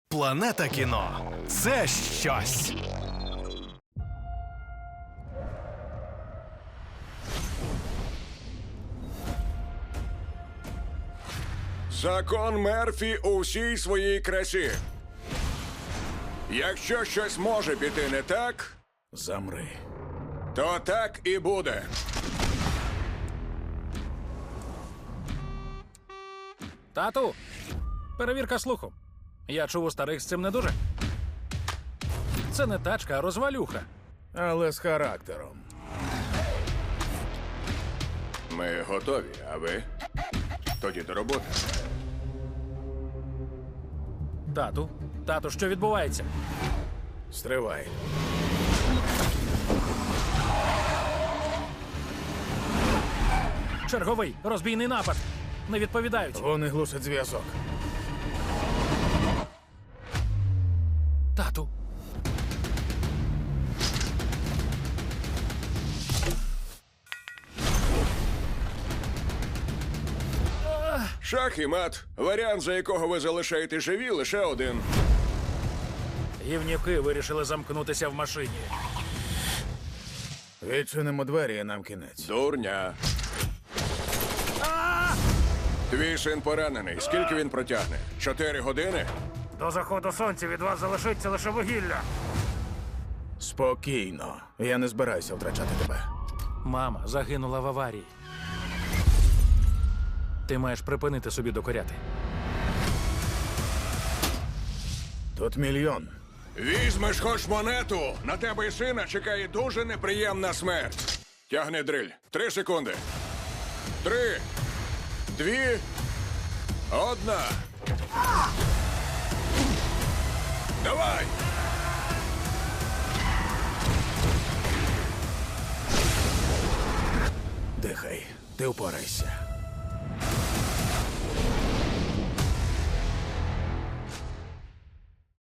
Планета кіно – це щось. Закон Мерфі у всій своїй красі. Якщо щось може піти не так, Замри. то так і буде. Тату, перевірка слуху. Я чув, у старих з цим не дуже. Це не тачка, а розвалюха. Але з характером. Ми готові, а ви? Тоді до роботи. Тату, що відбувається? Стривай. Черговий розбійний напад. Не відповідають. Вони глушать зв'язок. Тату. Шах і мат. Варіант, за якого ви залишаєте живі, лише один. Гівнюки вирішили замкнутися в машині. Відчинимо двері і нам кінець. Дурня. Твій син поранений. Скільки він протягне? 4 години? До заходу сонця від вас залишиться лише вугілля. Спокійно. Я не збираюся втрачати тебе. Мама загинула в аварії. Ти маєш припинити собі докоряти. Тут мільйон. Візьмеш хоч монету. На тебе і сина чекає дуже неприємна смерть. Тягни дриль. 3 секунди. 3, 2, 1. Давай! Дихай. Ти впорайся.